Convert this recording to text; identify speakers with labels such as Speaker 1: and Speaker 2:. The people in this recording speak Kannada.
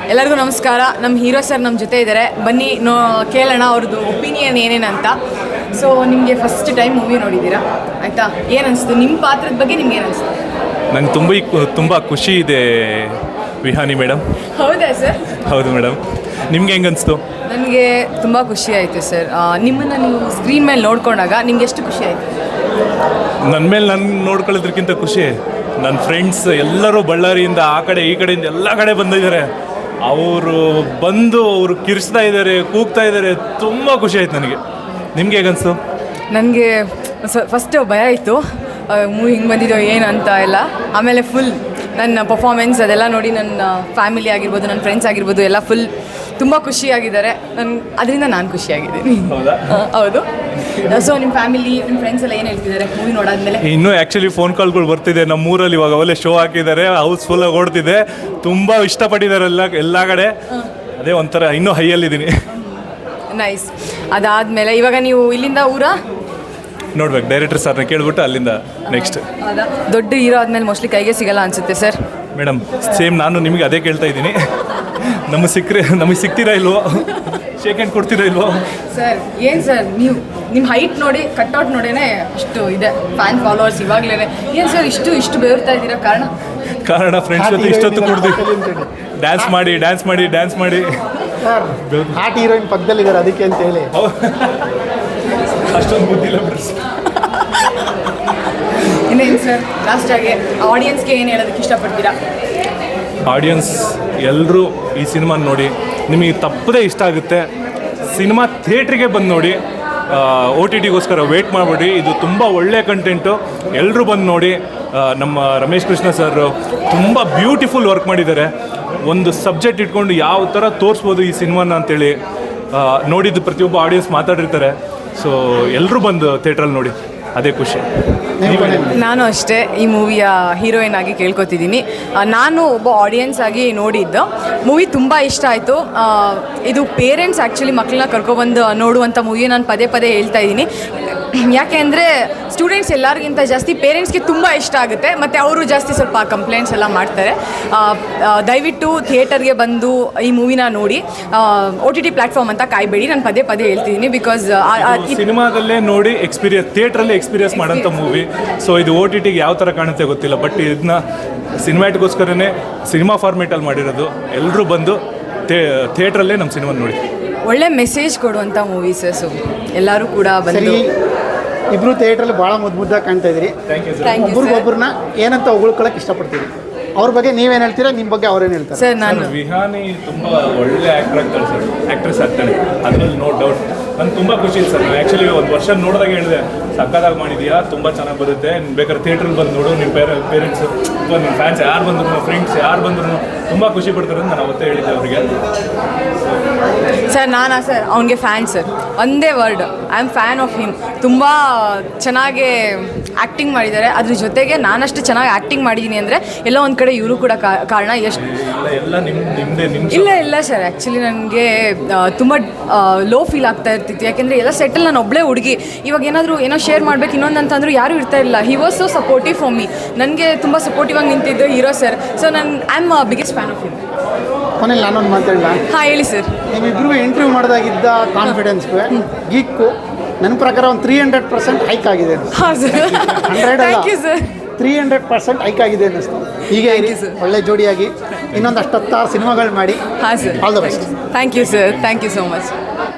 Speaker 1: ಎಲ್ಲರಿಗೂ ನಮಸ್ಕಾರ. ನಮ್ಮ ಹೀರೋ ಸರ್ ನಮ್ಮ ಜೊತೆ ಇದ್ದಾರೆ, ಬನ್ನಿ ಕೇಳೋಣ ಅವ್ರದ್ದು ಒಪಿನಿಯನ್ ಏನೇನಂತ. ಸೊ ನಿಮಗೆ ಫಸ್ಟ್ ಟೈಮ್ ಮೂವಿ ನೋಡಿದ್ದೀರಾ ಆಯಿತಾ, ಏನನ್ನಿಸ್ತು ನಿಮ್ಮ ಪಾತ್ರದ ಬಗ್ಗೆ? ನಿಮ್ಗೆ ಏನನ್ನಿಸ್ತು?
Speaker 2: ನಂಗೆ ತುಂಬ ಖುಷಿ ಇದೆ ವಿಹಾನಿ ಮೇಡಮ್.
Speaker 1: ಹೌದಾ ಸರ್?
Speaker 2: ಹೌದು ಮೇಡಮ್. ನಿಮ್ಗೆ ಹೆಂಗೆ ಅನಿಸ್ತು?
Speaker 1: ನನಗೆ ತುಂಬ ಖುಷಿ ಆಯಿತು ಸರ್. ನಿಮ್ಮನ್ನು ನೀವು ಸ್ಕ್ರೀನ್ ಮೇಲೆ ನೋಡ್ಕೊಂಡಾಗ ನಿಮ್ಗೆ ಎಷ್ಟು ಖುಷಿ ಆಯಿತು?
Speaker 2: ನನ್ನ ಮೇಲೆ ನಾನು ನೋಡ್ಕೊಳ್ಳೋದ್ರಕ್ಕಿಂತ ಖುಷಿ ನನ್ನ ಫ್ರೆಂಡ್ಸ್ ಎಲ್ಲರೂ ಬಳ್ಳಾರಿಯಿಂದ ಆ ಕಡೆ ಈ ಕಡೆಯಿಂದ ಎಲ್ಲ ಕಡೆ ಬಂದಿದ್ದಾರೆ. ಅವರು ಬಂದು ಅವರು ಕಿರಿಸ್ತಾ ಇದ್ದಾರೆ, ಕೂಗ್ತಾ ಇದ್ದಾರೆ. ತುಂಬ ಖುಷಿ ಆಯ್ತು ನನಗೆ. ನಿಮ್ಗೆ ಹೇಗನ್ನಿಸ್ತು?
Speaker 1: ನನಗೆ ಫಸ್ಟ್ ಭಯ ಇತ್ತು, ಮೂವಿ ಹಿಂಗೆ ಬಂದಿದ್ದೋ ಏನು ಅಂತ ಎಲ್ಲ. ಆಮೇಲೆ ಫುಲ್ ನನ್ನ ಪರ್ಫಾರ್ಮೆನ್ಸ್ ಅದೆಲ್ಲ ನೋಡಿ ನನ್ನ ಫ್ಯಾಮಿಲಿ ಆಗಿರ್ಬೋದು, ನನ್ನ ಫ್ರೆಂಡ್ಸ್ ಆಗಿರ್ಬೋದು ಎಲ್ಲ ಫುಲ್ ತುಂಬ ಖುಷಿಯಾಗಿದ್ದಾರೆ. ಅದರಿಂದ ನಾನು ಖುಷಿಯಾಗಿದ್ದೀನಿ. ಹೌದು. ಸೊ ನಿಮ್ಮ ಫ್ಯಾಮಿಲಿ, ನಿಮ್ಮ ಫ್ರೆಂಡ್ಸ್ ಎಲ್ಲ ಏನು ಹೇಳ್ತಿದ್ದಾರೆ ಮೂವಿ ನೋಡಾದ್ಮೇಲೆ?
Speaker 2: ಇನ್ನೂ ಆ್ಯಕ್ಚುಲಿ ಫೋನ್ ಕಾಲ್ಗಳು ಬರ್ತಿದೆ. ನಮ್ಮೂರಲ್ಲಿ ಇವಾಗ ಒಳ್ಳೆ ಶೋ ಹಾಕಿದ್ದಾರೆ, ಹೌಸ್ಫುಲ್ಲಾಗಿ ಓಡ್ತಿದೆ. ತುಂಬ ಇಷ್ಟಪಟ್ಟಿದ್ದಾರೆ ಎಲ್ಲ ಕಡೆ. ಅದೇ ಒಂಥರ ಇನ್ನೂ ಹೈಯಲ್ಲಿದ್ದೀನಿ.
Speaker 1: ನೈಸ್. ಅದಾದಮೇಲೆ ಇವಾಗ ನೀವು ಇಲ್ಲಿಂದ
Speaker 2: ನೋಡ್ಬೇಕು, ಡೈರೆಕ್ಟರ್ ಸರ್ನ ಕೇಳ್ಬಿಟ್ಟು ಅಲ್ಲಿಂದ ನೆಕ್ಸ್ಟ್.
Speaker 1: ದೊಡ್ಡ ಹೀರೋ ಆದಮೇಲೆ ಮೋಸ್ಟ್ಲಿ ಕೈಗೆ ಸಿಗಲ್ಲ ಅನಿಸುತ್ತೆ ಸರ್.
Speaker 2: ಮೇಡಮ್ ಸೇಮ್ ನಾನು ನಿಮಗೆ ಅದೇ ಕೇಳ್ತಾ ಇದ್ದೀನಿ. ನಮಗೆ ಸಿಗ್ತೀರಾ ಇಲ್ವೋ? ಶೇಕ್ ಹ್ಯಾಂಡ್ ಕೊಡ್ತೀರಾ ಇಲ್ವೋ?
Speaker 1: ಸರ್ ಏನು ಸರ್, ನೀವು ನಿಮ್ಮ ಹೈಟ್ ನೋಡಿ, ಕಟ್ಔಟ್ ನೋಡೇನೆ ಅಷ್ಟು ಇದೆ ಫ್ಯಾನ್ ಫಾಲೋವರ್ಸ್ ಇವಾಗಲೇ. ಏನು ಸರ್ ಇಷ್ಟು ಬೇರ್ತಾ ಇದ್ದೀರಾ? ಕಾರಣ
Speaker 2: ಫ್ರೆಂಡ್ಸ್ ಜೊತೆ ಇಷ್ಟೊತ್ತು ಕೊಡ್ತೀವಿ, ಡ್ಯಾನ್ಸ್ ಮಾಡಿ
Speaker 3: ಹಾಟ್ ಹೀರೋಯಿನ್ ಪಕ್ಕದಲ್ಲಿದ್ದಾರೆ, ಅದಕ್ಕೆ ಅಂತ ಹೇಳಿ.
Speaker 2: ಅಷ್ಟೊಂದು ಬುದ್ಧಿಲ್ಲ ಬಿಡ್ರಿ.
Speaker 1: ಇನ್ನೇನು ಸರ್, ಲಾಸ್ಟಾಗಿ ಆಡಿಯನ್ಸ್ಗೆ ಏನು ಹೇಳೋದಕ್ಕೆ ಇಷ್ಟಪಡ್ತೀರಾ?
Speaker 2: ಆಡಿಯನ್ಸ್ ಎಲ್ಲರೂ ಈ ಸಿನಿಮಾ ನೋಡಿ, ನಿಮಗೆ ತಪ್ಪದೇ ಇಷ್ಟ ಆಗುತ್ತೆ. ಸಿನಿಮಾ ಥಿಯೇಟ್ರಿಗೆ ಬಂದು ನೋಡಿ, OTTಗೋಸ್ಕರ ವೇಟ್ ಮಾಡಬೇಡಿ. ಇದು ತುಂಬ ಒಳ್ಳೆಯ ಕಂಟೆಂಟು, ಎಲ್ಲರೂ ಬಂದು ನೋಡಿ. ನಮ್ಮ ರಮೇಶ್ ಕೃಷ್ಣ ಸರ್ ತುಂಬ ಬ್ಯೂಟಿಫುಲ್ ವರ್ಕ್ ಮಾಡಿದ್ದಾರೆ. ಒಂದು ಸಬ್ಜೆಕ್ಟ್ ಇಟ್ಕೊಂಡು ಯಾವ ಥರ ತೋರಿಸ್ಬೋದು ಈ ಸಿನಿಮಾನ ಅಂತೇಳಿ ನೋಡಿದ್ದು ಪ್ರತಿಯೊಬ್ಬ ಆಡಿಯನ್ಸ್ ಮಾತಾಡಿರ್ತಾರೆ. ಸೊ ಎಲ್ಲರೂ ಬಂದು ಥಿಯೇಟ್ರಲ್ಲಿ ನೋಡಿ, ಅದೇ ಖುಷಿ.
Speaker 1: ನಾನು ಅಷ್ಟೇ ಈ ಮೂವಿಯ ಹೀರೋಯಿನ್ ಆಗಿ ಕೇಳ್ಕೊತಿದ್ದೀನಿ. ನಾನು ಒಬ್ಬ ಆಡಿಯನ್ಸ್ ಆಗಿ ನೋಡಿದ್ದು ಮೂವಿ ತುಂಬ ಇಷ್ಟ ಆಯಿತು. ಇದು ಪೇರೆಂಟ್ಸ್ ಆ್ಯಕ್ಚುಲಿ ಮಕ್ಕಳನ್ನ ಕರ್ಕೊಬಂದು ನೋಡುವಂಥ ಮೂವಿ ನಾನು ಪದೇ ಹೇಳ್ತಾ ಇದ್ದೀನಿ. ಯಾಕೆ ಅಂದರೆ ಸ್ಟೂಡೆಂಟ್ಸ್ ಎಲ್ಲರಿಗಿಂತ ಜಾಸ್ತಿ ಪೇರೆಂಟ್ಸ್ಗೆ ತುಂಬ ಇಷ್ಟ ಆಗುತ್ತೆ, ಮತ್ತು ಅವರು ಜಾಸ್ತಿ ಸ್ವಲ್ಪ ಕಂಪ್ಲೇಂಟ್ಸ್ ಎಲ್ಲ ಮಾಡ್ತಾರೆ. ದಯವಿಟ್ಟು ಥಿಯೇಟರ್ಗೆ ಬಂದು ಈ ಮೂವಿನ ನೋಡಿ. OTT ಪ್ಲ್ಯಾಟ್ಫಾರ್ಮ್ ಅಂತ ಕಾಯಬೇಡಿ, ನಾನು ಪದೇ ಹೇಳ್ತಿದ್ದೀನಿ. ಬಿಕಾಸ್
Speaker 2: ಸಿನಿಮಾದಲ್ಲೇ ನೋಡಿ ಥಿಯೇಟ್ರಲ್ಲಿ ಎಕ್ಸ್ಪೀರಿಯನ್ಸ್ ಮಾಡೋಂಥ ಮೂವಿ. ಸೊ ಇದು OTTಗೆ ಯಾವ ಥರ ಕಾಣುತ್ತೆ ಗೊತ್ತಿಲ್ಲ, ಬಟ್ ಇದನ್ನ ಸಿನಿಮ್ಯಾಟಿಗೋಸ್ಕರನೇ ಸಿನಿಮಾ ಫಾರ್ಮೇಟಲ್ಲಿ ಮಾಡಿರೋದು. ಎಲ್ಲರೂ ಬಂದು ಥಿಯೇಟ್ರಲ್ಲೇ ನಮ್ಮ ಸಿನಿಮಾ ನೋಡಿ.
Speaker 1: ಒಳ್ಳೆ ಮೆಸೇಜ್ ಕೊಡುವಂಥ ಮೂವೀಸಸ್ಸು, ಎಲ್ಲರೂ ಕೂಡ ಬಂದು.
Speaker 3: ಇಬ್ಬರು ಥಿಯೇಟ್ರಲ್ಲಿ ಭಾಳ ಮುದ್ದಾಗಿ ಕಾಣ್ತಾ ಇದ್ದೀರಿ. ಒಬ್ರಿಗೊಬ್ಬರನ್ನ ಏನಂತ ಹೊಗಳ್ಕೊಳಕ್ಕೆ ಇಷ್ಟಪಡ್ತೀರಿ? ಅವ್ರ ಬಗ್ಗೆ ನೀವೇನು ಹೇಳ್ತೀರಾ, ನಿಮ್ಮ ಬಗ್ಗೆ ಅವ್ರೇನು ಹೇಳ್ತಾರೆ?
Speaker 1: ಸರ್, ನಾನು
Speaker 2: ವಿಹಾನಿ ತುಂಬ ಒಳ್ಳೆ ಆ್ಯಕ್ಟ್ರೆಸ್ ಆಗ್ತಾಳೆ, ಅದರಲ್ಲಿ ನೋ ಡೌಟ್. ನನಗೆ ತುಂಬ ಖುಷಿ ಇದೆ ಸರ್. ಆ್ಯಕ್ಚುಲಿ ಒಂದು ವರ್ಷ ನೋಡಿದಾಗ ಹೇಳಿದೆ, ಸಕ್ಕದಾಗಿ ಮಾಡಿದೆಯಾ, ತುಂಬ ಚೆನ್ನಾಗಿ ಬರುತ್ತೆ, ಬೇಕಾದ್ರೆ ಥಿಯೇಟ್ರಲ್ಲಿ ಬಂದು ನೋಡು. ನಿಮ್ಮ ಪೇರೆಂಟ್ಸು ಅಥವಾ ನಿಮ್ಮ ಫ್ಯಾನ್ಸ್ ಯಾರು ಬಂದ್ರು, ಫ್ರೆಂಡ್ಸ್ ಯಾರು ಬಂದ್ರು ತುಂಬ ಖುಷಿ ಪಡ್ತಾರೆ ಅಂತ ನಾನು ಅವತ್ತೇ ಹೇಳಿದ್ದೆ ಅವರಿಗೆ.
Speaker 1: ಸರ್ ಸರ್ ಅವನಿಗೆ ಫ್ಯಾನ್ ಸರ್, ಒಂದೇ word, I am fan of him. ತುಂಬ ಚೆನ್ನಾಗಿ ಆ್ಯಕ್ಟಿಂಗ್ ಮಾಡಿದ್ದಾರೆ. ಅದ್ರ ಜೊತೆಗೆ ನಾನಷ್ಟು ಚೆನ್ನಾಗಿ ಆ್ಯಕ್ಟಿಂಗ್ ಮಾಡಿದ್ದೀನಿ ಅಂದರೆ ಎಲ್ಲ ಒಂದು ಕಡೆ ಇವರು ಕೂಡ ಕಾರಣ. ಎಷ್ಟು ಇಲ್ಲ ಸರ್, ಆ್ಯಕ್ಚುಲಿ ನನಗೆ ತುಂಬ ಲೋ ಫೀಲ್ ಆಗ್ತಾ ಇರ್ತಿತ್ತು. ಯಾಕೆಂದರೆ ಎಲ್ಲ ಸೆಟಲ್ ನಾನು ಒಬ್ಬಳೇ ಹುಡುಗಿ. ಇವಾಗ ಏನೋ ಶೇರ್ ಮಾಡಬೇಕು ಇನ್ನೊಂದು ಅಂತಂದ್ರೂ ಯಾರೂ ಇರ್ತಾ ಇಲ್ಲ. He was so supportive for me. ನನಗೆ ತುಂಬ ಸಪೋರ್ಟಿವ್ ಆಗಿ ನಿಂತಿದ್ದು hero sir. So I am biggest fan of him.
Speaker 3: ಕೊನೆಯಲ್ಲಿ ನಾನೊಂದು ಮಾತಾಡಲ್ಲ?
Speaker 1: ಹಾಂ ಹೇಳಿ ಸರ್.
Speaker 3: ನಿಮ್ಮಿಬ್ಬರಿಗೂ ಇಂಟರ್ವ್ಯೂ ಮಾಡಿದಾಗಿದ್ದ ಕಾನ್ಫಿಡೆನ್ಸ್ಗೂ ಗೀಕ್ಕು ನನ್ನ ಪ್ರಕಾರ ಒಂದು 300% ಹೈಕ್ ಆಗಿದೆ.
Speaker 1: ಹಾಂ sir,
Speaker 3: 100
Speaker 1: thank you sir.
Speaker 3: 300% hike ಆಗಿದೆ ಅನ್ನಿಸ್ತು. ಹೀಗೆ ಒಳ್ಳೆ ಜೋಡಿಯಾಗಿ ಇನ್ನೊಂದು 16 ಸಿನಿಮಾಗಳು ಮಾಡಿ.
Speaker 1: ಹಾಂ sir,
Speaker 3: all the best.
Speaker 1: Thank you sir, thank you so much.